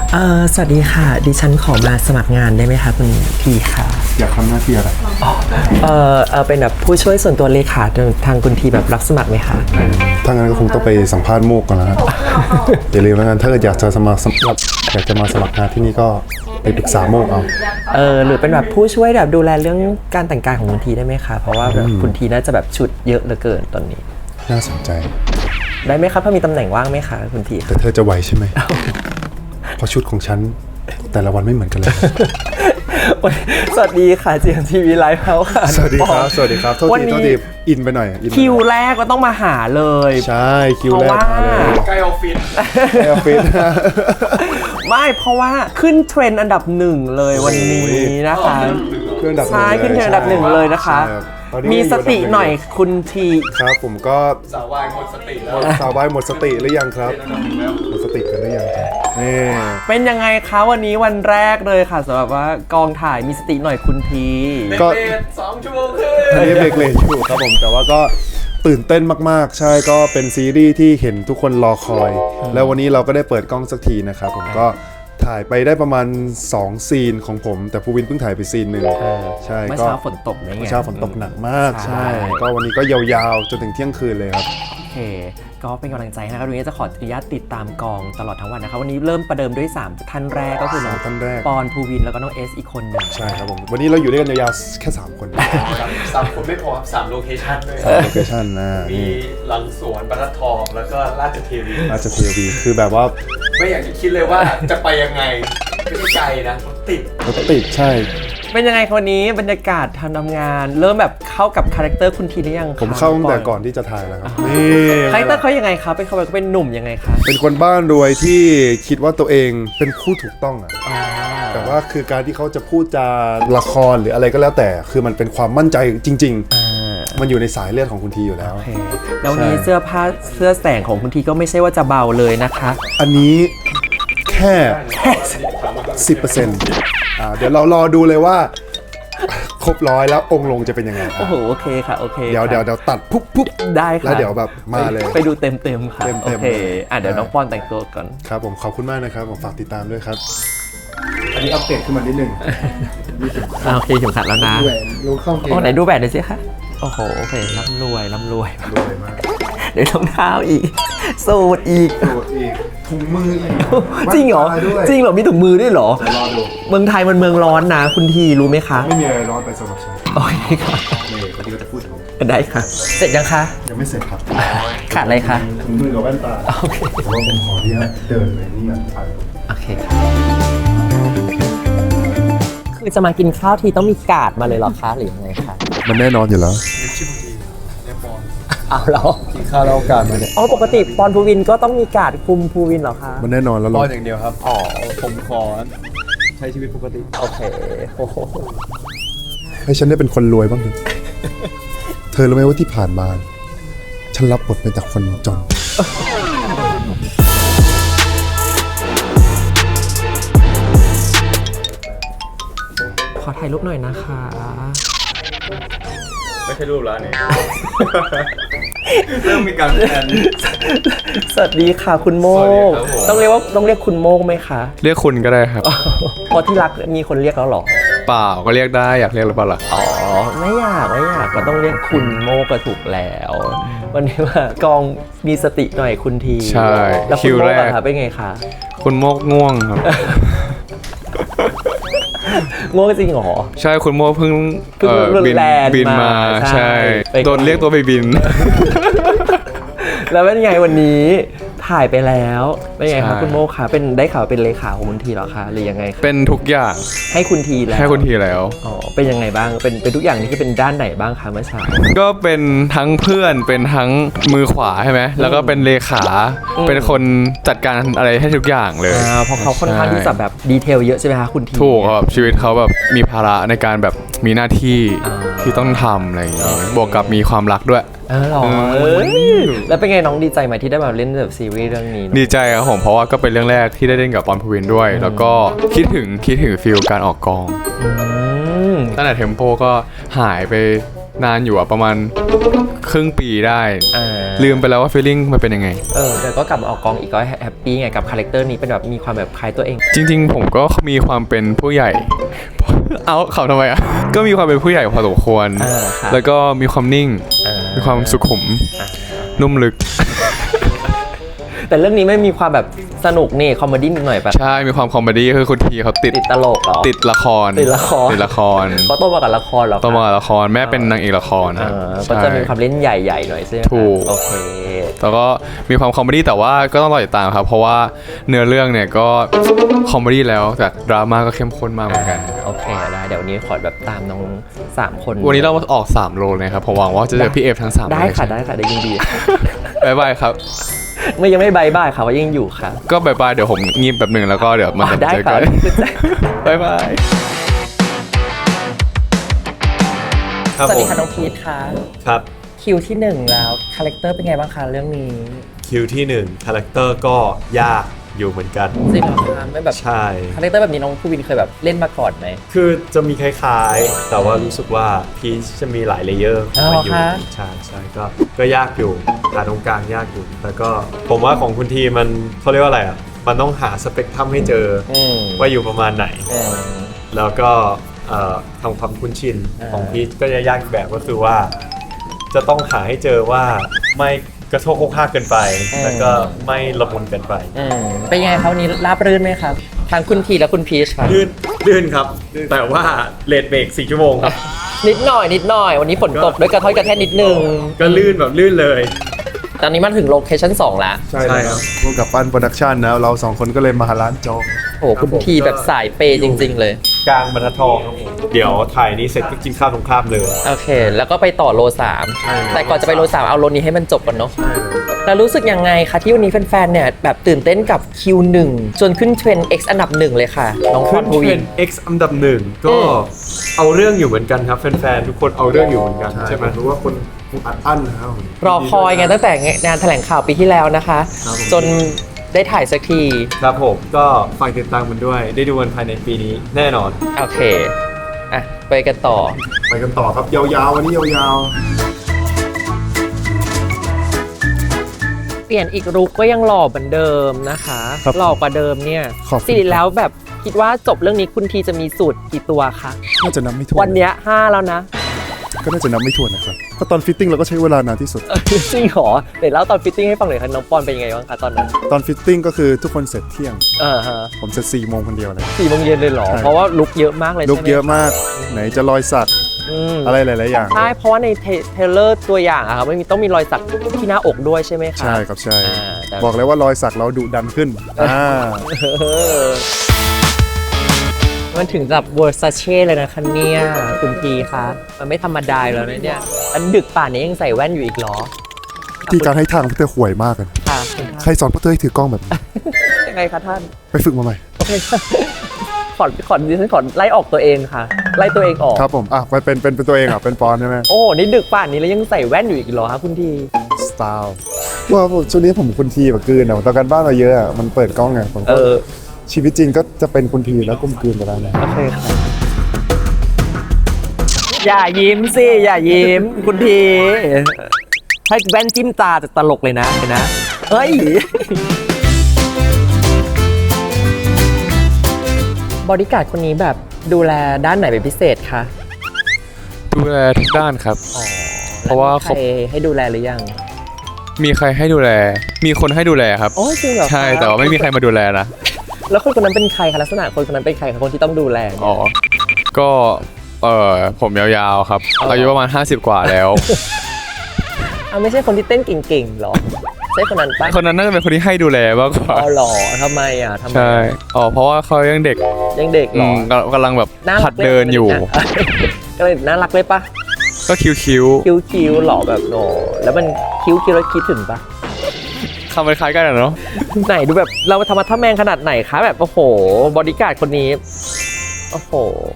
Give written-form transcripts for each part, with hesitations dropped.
สวัสดีค่ะดิฉันขอมาสมัครงานได้ไหมคะคุณพีค่ะอยากทำหน้าที่อะไรเป็นแบบผู้ช่วยส่วนตัวเลขาทางคุณทีแบบรับสมัครไหมคะถ้างั้นก็คงต้องไปสัมภาษณ์โมกก่อนนะอย่าลืมแล้วกันถ้าเกิดอยากจะมาสมัครงานที่นี่ก็ไปปรึกษาโมกเอาหรือเป็นแบบผู้ช่วยแบบดูแลเรื่องการแต่งกายของคุณทีได้ไหมคะเพราะว่าแบบคุณทีน่าจะแบบชุดเยอะเหลือเกินตอนนี้น่าสนใจได้ไหมครับถ้ามีตำแหน่งว่างไหมคะคุณทีแต่เธอจะไหวใช่ไหมเพราะชุดของฉันแต่ละวันไม่เหมือนกันเลยสวัสดีค่ะ GMTV Live House ค่ะสวัสดีครับโทษทีอินไปหน่อยคิวแรกก็ต้องมาหาเลยใช่คิวแรกมาเลยใกล้ออฟฟิศไม่เพราะว่าขึ้นเทรนด์อันดับหนึ่งเลยวันนี้นะคะใช่ขึ้นเทรนด์อันดับหนึ่งเลยนะคะมีสติหน่อยคุณทีครับผมก็สาววายหมดสติแล้วสาววายหมดสติหรือยังครับหมดสติกันหรือยังครับนี่เป็นยังไงคะวันนี้วันแรกเลยค่ะสำหรับว่ากองถ่ายมีสติหน่อยคุณทีก็2 ชั่วโมงครึ่งอันนี้เบรกเลนอยู่ครับผมแต่ว่าก็ตื่นเต้นมากๆใช่ก็เป็นซีรีส์ที่เห็นทุกคนรอคอยแล้ววันนี้เราก็ได้เปิดกล้องสักทีนะครับผมก็ถ่ายไปได้ประมาณ2ซีนของผมแต่ภูวินเพิ่งถ่ายไปซีนหนึ่งใช่เมื่อเช้าฝนตกไหมเมื่อเช้าฝนตกหนักมากใช่ก็วันนี้ก็ยาวๆจนถึงเที่ยงคืนเลยครับโอเคก็เป็นกำลังใจนะครับวันนี้จะขออนุญาตติดตามกองตลอดทั้งวันนะครับวันนี้เริ่มประเดิมด้วย3ท่านแรกก็คือน้องปอนภูวินแล้วก็น้องเอสอีกคนหนึ่งใช่ครับผมวันนี้เราอยู่ด้วยกันยาวๆแค่3 คน 3 คนไม่พอครับ3 โลเคชั่นด้วยโลเคชั่นนะมีหลังสวนบรรทัดทองแล้วก็ราชเทวีคือแบบว่าไม่อยากจะคิดเลยว่าจะไปยังไงไม่ไกลนะรถติดใช่เป็นยังไงคนนี้บรรยากาศทำงานเริ่มแบบเข้ากับคาแรคเตอร์คุณทีหรือยังผมเข้าตั้งแต่ก่อนที่จะถ่ายแล้วครับนี่คาแรคเตอร์เขายังไงครับเป็นเขาเป็นหนุ่มยังไงคะเป็นคนบ้านรวยที่คิดว่าตัวเองเป็นผู้ถูกต้องอ่ะแต่ว่าคือการที่เขาจะพูดจาละครหรืออะไรก็แล้วแต่คือมันเป็นความมั่นใจจริงๆมันอยู่ในสายเลือดของคุณทีอยู่แล้วแล้วนี้เสื้อแสงของคุณทีก็ไม่ใช่ว่าจะเบาเลยนะคะอันนี้แค่ 10%เดี๋ยวเรารอดูเลยว่าครบ100แล้วองค์ลงจะเป็นยังไงโอ้โหโอเคค่ะโอเคเดี๋ยวตัดปุ๊บได้ค่ะแล้วเดี๋ยวแบบมาเลยไปดูเต็มค่ะโอเคเดี๋ยวน้องปอนแต่งตัวก่อนครับผมขอบคุณมากนะครับผมฝากติดตามด้วยครับอันนี้อัปเดตขึ้นมานิดนึงโอเคถึงขัดแล้วนะรู้เข้าเกมไหนดูแบบหน่อยสิคะโอ้โหโอเคร่ำรวยมากเดี๋ยวรองเท้าอีกสูตรอีกถุงมืออีกจริงเหรอมีถุงมือด้วยเหรอรอดูเมืองไทยมันเมืองร้อนนะคุณทีรู้ไหมคะไม่มีอะไรร้อนไปสำหรับฉันโอเคค่ะคนที่ก็จะพูดถึงได้ค่ะเสร็จยังคะยังไม่เสร็จครับขาดอะไรคะถุงมือกับแว่นตาโอเคแต่ว่าผมขอที่จะเดินไปนี่ไปโอเคค่ะคือจะมากินข้าวทีต้องมีการ์ดมาเลยหรอคะหรือยังไงคะมันแน่นอนอยู่แล้วเอาแล้วกินข้าวแล้วการมาเนี่ยปกติปอนภูวินก็ต้องมีการ์ดคุมภูวินเหรอคะมันแน่นอนแล้วปอนอย่างเดียวครับผมขอใช้ชีวิตปกติโอเคให้ฉันได้เป็นคนรวยบ้างเถอะเธอรู้ไหมว่าที่ผ่านมาฉันรับบทเป็นแต่คนจนขอถ่ายรูปหน่อยนะคะไม่ใช่รูปแล้วเนี่ยเริ่มมีการแทนสวัสดีค่ะคุณโมกต้องเรียกคุณโมกไหมคะเรียกคุณก็ได้ครับพอที่รักมีคนเรียกแล้วหรอเปล่าก็เรียกได้อยากเรียกหรือเปล่าล่ะไม่อยากก็ต้องเรียกคุณโมกก็ถูกแล้ววันนี้ว่ากองมีสติหน่อยคุณทีใช่แล้วคุณโมกอะคะเป็นไงคะคุณโมกง่วงครับง่วงจริงเหรอใช่คุณโมเพิ่งบินมาใช่โดนเรียกตัวไปบินแล้วเป็นไงวันนี้ถ่ายไปแล้วเป็นไงครับคุณโมคะเป็นได้ข่าวเป็นเลขาของคุณทีเหรอคะหรือยังไงเป็นทุกอย่างให้คุณทีแล้วเป็นยังไงบ้างเป็นทุกอย่างนี่คือเป็นด้านไหนบ้างคะเมื่อเช้าก็เป็นทั้งเพื่อนเป็นทั้งมือขวาใช่ไหมแล้วก็เป็นเลขาเป็นคนจัดการอะไรให้ทุกอย่างเลยเพราะเขาค่อนข้างที่จะแบบดีเทลเยอะใช่ไหมคะคุณทีถูกครับชีวิตเขาแบบมีภาระในการแบบมีหน้าที่ที่ต้องทำอะไรอย่างเงี้ยบวกกับมีความรักด้วยหรอแล้วเป็นไงน้องดีใจไหมที่ได้มาเล่นแบบซีรีส์เรื่องนี้ดีใจครับผมเพราะว่าก็เป็นเรื่องแรกที่ได้เล่นกับปอนภูวินด้วยแล้วก็คิดถึงฟีลการออกกองตั้งแต่เทมโปก็หายไปนานอยู่อะประมาณครึ่งปีได้ ลืมไปแล้วว่า feeling มันเป็นยังไงแต่ก็กลับมาออกกองอีกก็แฮปปี้ไงกับคาแรคเตอร์นี้เป็นแบบมีความแบบคล้ายตัวเองจริงๆ ผมก็มีความเป็นผู้ใหญ่ เอาเขาทำไมอ่ะ ก็มีความเป็นผู้ใหญ่พอสมควรครับแล้วก็มีความนิ่ง มีความสุขุม นุ่มลึกแต่เรื่องนี้ไม่มีความแบบสนุกนี่คอมเมดี้นิดหน่อยปะใช่ มีความคอมเมดี้คือคุณทีเขาติดติดตลกเหรอติดละครติดละครติดละครเขาโตมากับละครเหรอคะต้องมาละครแม่เป็นนางเอกละครนะก็จะมีใช่ความเล่นใหญ่ๆหน่อยใช่ไหมคะถูกโอเคแล้วก็มีความคอมเมดี้แต่ว่าก็ต้องรอติดตามครับ เพราะว่าเนื้อเรื่องเนี่ยก็คอมเมดี้แล้วแต่ดราม่าก็เข้มข้นมากเหมือนกันโอเคได้เดี๋ยววันนี้ขอแบบตามน้อง3 คนวันนี้เราออก3โลเลยครับผมหวังว่าจะเจอพี่เอฟทั้ง3 ได้ค่ะได้ค่ะได้ยินดีบ๊ายบายครับไม่ยังไม่บายบายค่ะว่ายังอยู่ค่ะก็บ๊ายบายเดี๋ยวผมงีบแบบหนึ่งแล้วก็เดี๋ยวมันจะได้เจอค่ะกันบ๊ายบายครับสวัสผดีมค่ะน้องพีทค่ะครับคิวที่ 1 แล้วคาแรคเตอร์เป็นไงบ้างคะเรื่องนี้คิวที่1คาแรคเตอร์ก็ยากอยู่เหมือนกันจริงเหรอคะไม่แบบใช่คาแรคเตอร์แบบนี้น้องภูวินเคยแบบเล่นมาก่อนไหมคือจะมีคล้ายๆ แต่ว่ารู้สึกว่าพีชจะมีหลายเลเยอร์ของมันอยู่อ๋อคะใช่ก็ยากอยู่หาตรงกลางยากอยู่แต่ก็ผมว่าของคุณทีมันเขาเรียกว่าอะไรอ่ะมันต้องหาสเปกทรัมให้เจอว่าอยู่ประมาณไหน แล้วก็ทำความคุ้นชินของพีชก็จะยากอีกแบบก็คือว่า จะต้องหาให้เจอว่าไม่กระโชกโคกห้ากเกินไป แล้วก็ไม่ละมุนเกินไปเป็นยังไงครับวันนี้ราบรื่นไหมครับทั้งคุณพีและคุณพีชครับลื่นครับ แต่ว่าเลทเบรก4 ชั่วโมงครับนิดหน่อยวันนี้ฝนตกด้วยกระท้อยกระแทกนิดนึงก็ลื่นแบบลื่นเลยตอนนี้มันถึงโลเคชั่น2แล้วใช่ครับพวกกับปั้นโปรดักชันนะเรา2 คนก็เลยมาร้านโจ๊กโอ้คุณพีแบบสายเปย์จริง ๆ เลยกลางบรรทัดทองครับผมเดี๋ยวถ่ายนี้เสร็จก็กินข้าวตรงข้ามเลยโอเค แล้วก็ไปต่อโล 3 แต่ก่อนจะไปโล 3 เอาโลนี้ให้มันจบก่อนเนาะแล้วรู้สึกยังไงคะที่วันนี้แฟนๆเนี่ยแบบตื่นเต้นกับ Q1 จนขึ้นเทรนด์ X อันดับ 1 เลยค่ะ น้องพขึ้รนภูเทรวินนด์ X อันดับ1ก็เอาเรื่องอยู่เหมือนกันครับแฟนๆทุกคนเอาเรื่องอยู่เหมือนกันใช่ไหมรู้ว่าคนอัดอั้นนะครับรอคอยไงตั้งแต่งานแถลงข่าวปีที่แล้วนะคะ จนได้ถ่ายสักทีครับผมก็ฝากติดตามมันด้วย ได้ดูกันภายในปีนี้แน่นอนโอเค อ่ะ ไปกันต่อไปกันต่อครับยาวๆวันนี้ยาวเปลี่ยนอีกลุคก็ยังหล่อเหมือนเดิมนะคะครับหล่อกว่าเดิมเนี่ยขอบคุณสิริแล้วแบบคิดว่าจบเรื่องนี้คุณทีจะมีสูตรกี่ตัวคะๆน่าจะนับไม่ถ้วนวันเนี้ย5แล้วนะก็น่าจะนับไม่ถ้วนนะครับเพราะตอนฟิตติ้งเราก็ใช้เวลานานที่สุดจริงเหรอเดี๋ยวเล่าตอนฟิตติ้งให้ฟังหน่อยค่ะน้องปอนเป็นยังไงบ้างคะตอนนั้นตอนฟิตติ้งก็คือทุกคนเสร็จเที่ยงฮะผมเสร็จ4 โมงคนเดียวเลย 4 โมงเย็นเลยเหรอใช่เพราะว่าลุคเยอะมากเลยลุกใช่ไหมเยอะมาก ไหนจะรอยสักมอะไรหลายๆอย่างใช่เพราะว่าในเทรลเลอร์ตัวอย่างอะครับไม่มีต้องมีรอยสักที่หน้าอกด้วยใช่ไหมคะใช่ครับใช่แต่บอกเลยว่ารอยสักเราดุดันขึ้นมันถึงกับเวอร์ซาเช่เลยนะคะเนี่ยคุณพีคะมันไม่ธรรมดาแล้วนะเนี่ยอันดึกป่านนี้ยังใส่แว่นอยู่อีกเหรอที่การให้ทางพวกเธอห่วยมากเลยค่ะใครสอนพวกเธอให้ถือกล้องแบบนี้ยังไงคะท่านไปฝึกมาใหม่โอเคขอดิฉันขอไล่ออกตัวเองค่ะ ไล่ตัวเองออกครับผมอ่ะไปเป็นตัวเองอ่ะเป็นปอนใช่ไหมโอ้โหนี่ดึกป่านนี้แล้วยังใส่แว่นอยู่อีกเหรอคะคุณทีสไตล์ว่าผมช่วงนี้ผมคุณทีแบบกลืนอ่ะตอนกันบ้านมาเยอะอ่ะมันเปิดกล้องไงผมก็ชีวิตจริงก็จะเป็นคุณทีแล้วก้มกลืนไปแล้วนะโอเคค่ะอย่ายิ้มสิอย่ายิ้มคุณทีให้แว่นจิ้มตาจะตลกเลยนะเฮ้ยบอดี้การ์ดคนนี้แบบดูแลด้านไหนเป็นพิเศษคะดูแลทุกด้านครับ เพราะว่าใครให้ดูแลหรือยังมีใครให้ดูแล มีคนให้ดูแลครับโอ้จริงเหรอคะใช่แต่ว่าไม่มีใครมาดูแลนะแล้วคนนั้นเป็นใครคะลักษณะคนนั้นเป็นใครคะคนที่ต้องดูแลเนี่ยอ๋อก็ผมยาวๆครับอ๋อออายุประมาณ50 กว่าแล้วไม่ใช่คนที่เต้นเก่งๆหรอใช่คนนั้นปะคนนั้นน่าจะเป็นคนที่ให้ดูแลมากกว่าอ๋อหรอทำไมอ่ะทำไมใช่เพราะว่าเขายังเด็กยังเด็กหรอกำลังแบบน่ารักหัดเดินอยู่ก็เลยน่ารักเลยปะก็คิ้วคิ้วหล่อแบบโอ้แล้วมันคิ้วแล้วคิดถึงปะคำมันคล้ายกันอะเนาะไหนดูแบบเราธรรมะทะแมงขนาดไหนคะแบบโอ้โหบอดี้การ์ดคนนี้โอ้โห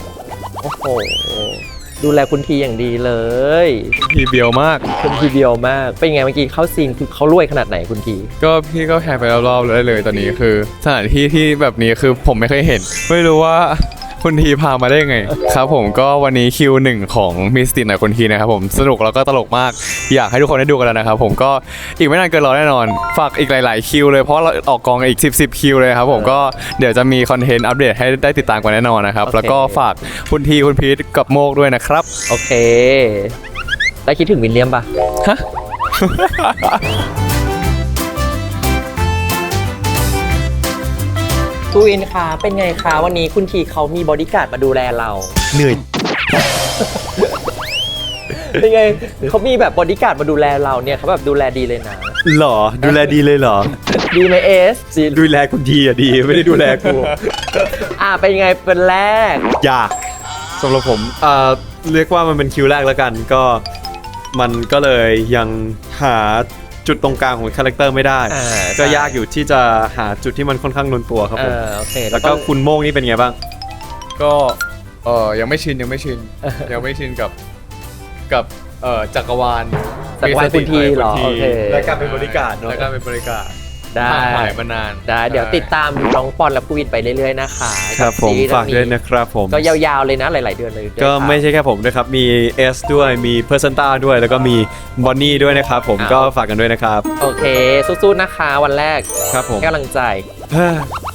ดูแลคุณทีอย่างดีเลยทีเบียวมากคุณทีเดียวมากเป็นไงเมื่อกี้เข้าซีนคือเขารวยขนาดไหนคุณทีก็พี่ก็แพนไปรอบๆเลยตอนนี้คือสถานที่ที่แบบนี้คือผมไม่เคยเห็น ไม่รู้ว่าคุณทีพามาได้ยังไงครับผมก็วันนี้คิวหนึ่งของมิสตินหน่อยคุณทีนะครับผมสนุกแล้วก็ตลกมากอยากให้ทุกคนได้ดูกันแล้วนะครับผมก็อีกไม่นานเกินรอแน่นอนฝากอีกหลายๆคิวเลยเพราะเราออกกองอีก10คิวเลยครับผมก็เดี๋ยวจะมีคอนเทนต์อัปเดตให้ได้ติดตามกันแน่นอนนะครับแล้วก็ฝากคุณทีคุณพีทกับโมกด้วยนะครับโอเค แล้วคิดถึงวิลเลียมปะฮะตูอินคะเป็นไงคะวันนี้คุณทีเขามีบอดี้การ์ดมาดูแลเราเหนื่อยเป็นไงเขามีแบบบอดี้การ์ดมาดูแลเราเนี่ยเขาแบบดูแลดีเลยนะหรอดูแลดีเลยเหรอดีไหมเอสดูแลคุณทีอะดีไม่ได้ดูแลกูเป็นไงเป็นแรกอยากสำหรับผมเรียกว่ามันเป็นคิวแรกแล้วกันก็มันก็เลยยังหาจุดตรงกลางของคาแรคเตอร์ไม่ได้ ก็ยากอยู่ที่จะหาจุดที่มันค่อนข้างลงตัวครับผมโอเคแล้วก็คุณโมงนี่เป็นไงบ้างก็ยังไม่ชินยังไม่ชินกับจักรวาลจักรวาลคุณทีเหรอคุณทีโอเคและการเป็นบริการเนาะและการเป็นบริการได้ถ่ายมานานได้เดี๋ยวติดตามน้องปอนและกูวินไปเรื่อยๆนะคะครับผมซีรีส์ฝากด้วยนะครับผมก็ยาวๆเลยนะหลายๆเดือนเลยก็ไม่ใช่แค่ผมนะครับมีเอสด้วยมีเพอร์เซนต้าด้วยแล้วก็มีบอนนี่ด้วยนะครับผมก็ฝากกันด้วยนะครับโอเคสู้ๆนะคะวันแรกครับผมให้กำลังใจเฮ้อ